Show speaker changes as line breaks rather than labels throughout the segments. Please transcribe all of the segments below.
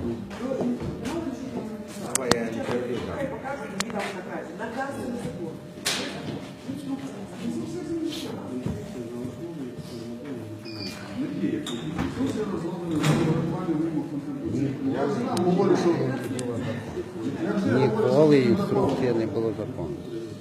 Давай я не перебью.
Наказ на закон.
Я говорю, що
Ніколи інструкція не було закону.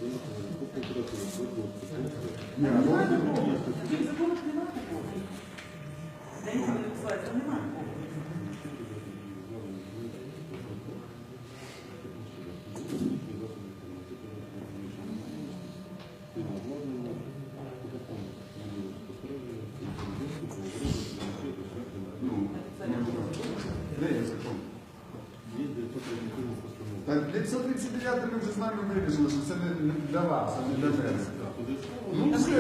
Так, 539 ми вже з нами вирішили, що це не для вас, а не для мене. Ну, все.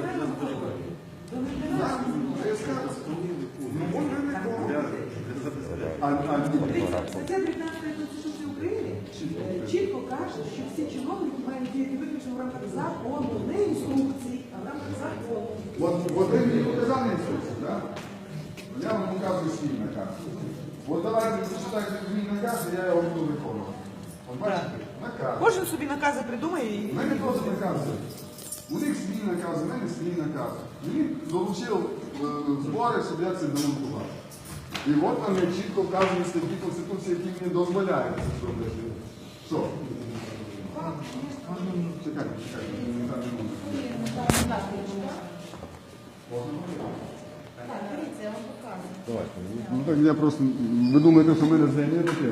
Я скажу. Ну, може, нікого.
Стаття 19 Конституції України чітко каже, що всі чиновники мають діяти виключно в рамках закону, не інструкцій, а в рамках закону.
От ви мені показали інструкцію, так? Я вам показую свій наказ. От давайте зачитайте мій наказ, і я його буду виконувати. От бачите? Наказ.
Кожен собі накази придумає і...
У мене просто накази. У них свій наказ, у мене свій наказ. Мені долучив збори, щоб я це демонтував. І от там є чітко вказані статті Конституції, які мені дозволяють це зробити. Що? Чекайте, Ну так я просто... Ви думаєте, що в мене зайняє таке?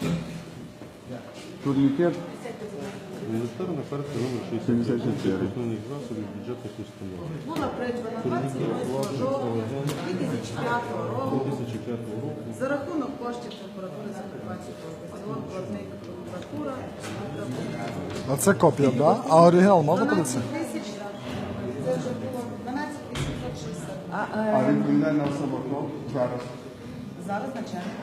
Турнікет?
Міністерна карта номер 64 основних засобів бюджетних установ.
Була придбана 28 жовтня 2005 року
2005 року.
за рахунок коштів прокуратури Закарпатського області, платник прокуратура.
А це копія, так? Да? А оригінал можна
12
подивитися?
тисяч, це вже було 12 860.
А відповідальна особа хто? Зараз.
Зараз начальник.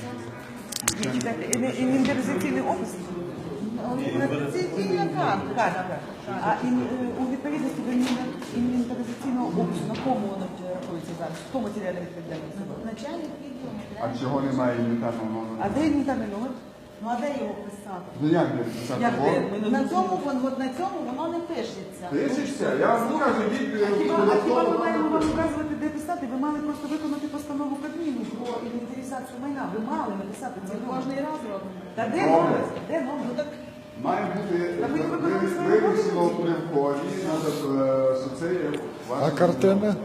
Інвентаризаційний опис? Інвентаризаційна карта. А у відповідності до інвентаризаційного опису, на кому воно рахується зараз? Хто матеріальна відповідальність? Начальник відділу.
А чого немає інвентарного номеру?
А де інвентарний номер? Ну а де його писати?
Ну як не писати?
Як де? На цьому, от на цьому воно не пишеться.
Пишешся? Я вам покажу відповідь.
А хіба ми маємо вам вказувати, де писати? Ви мали просто виконати постанову Кабміну про інвентаризацію майна. Ви мали написати це кожний раз робимо. Та де номер? Де номер? Ну, так
Має бути вивісено при вході, що це є
А
ваше...
картини?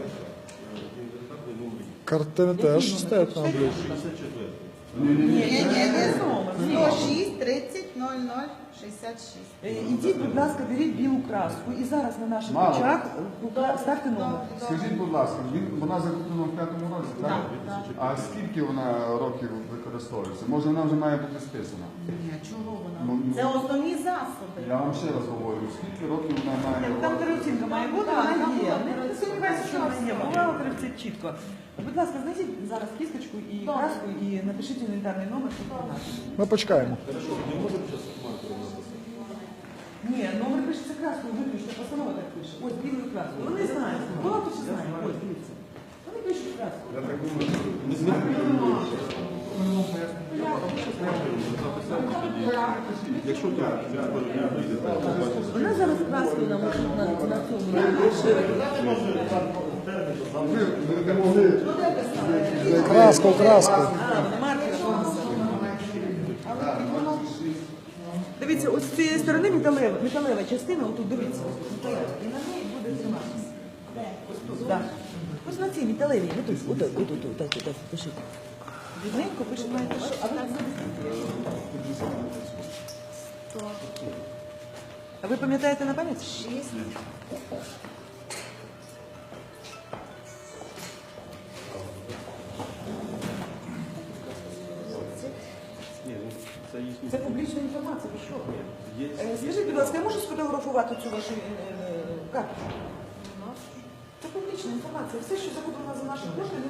Картини теж стоять на обличчі.
ні, не номер.
106 30 00 66.
Ідіть, будь ласка, беріть білу краску і зараз на наших
Мало.
очах ставте номер.
Скажіть, будь ласка, вона закуплена в 5-му році, так? А скільки вона років використовується? Може, вона вже має бути списана?
Ні, чого вона?
Ну,
Це основні засоби.
Я вам ще раз говорю, скільки років вона має...
Там переоцінка має бути, вона є. Не сумніваюся, що вона є. Бухгалтер це чітко. Будь ласка, знайдіть зараз кісточку і краску і напишіть інвентарний номер.
Ми почекаємо.
Ні, номер пишеться краскою, виключно, постанова так пише. Ось білою краскою. Вони знають. Бухгалтер ще знає. Ось, дивіться. Вони пишуть краскою.
Я так думаю,
Якщо так,
Вона зараз краскою нам на цьому напише.
ви не могли...
Краску.
Дивіться, ось з цієї сторони металева частина, отут дивіться. Металева. І на неї буде триматися. Ось тут, так. Ось на цій металевій, отут, пишіть. Рідненько пишіть, маєте що? А ви А ви пам'ятаєте на пам'ять?
6.
Це публічна інформація, ви що? Скажіть, будь ласка, я можу сфотографувати цю вашу карточку? Це публічна інформація. Все, що закуплено за наші кошти,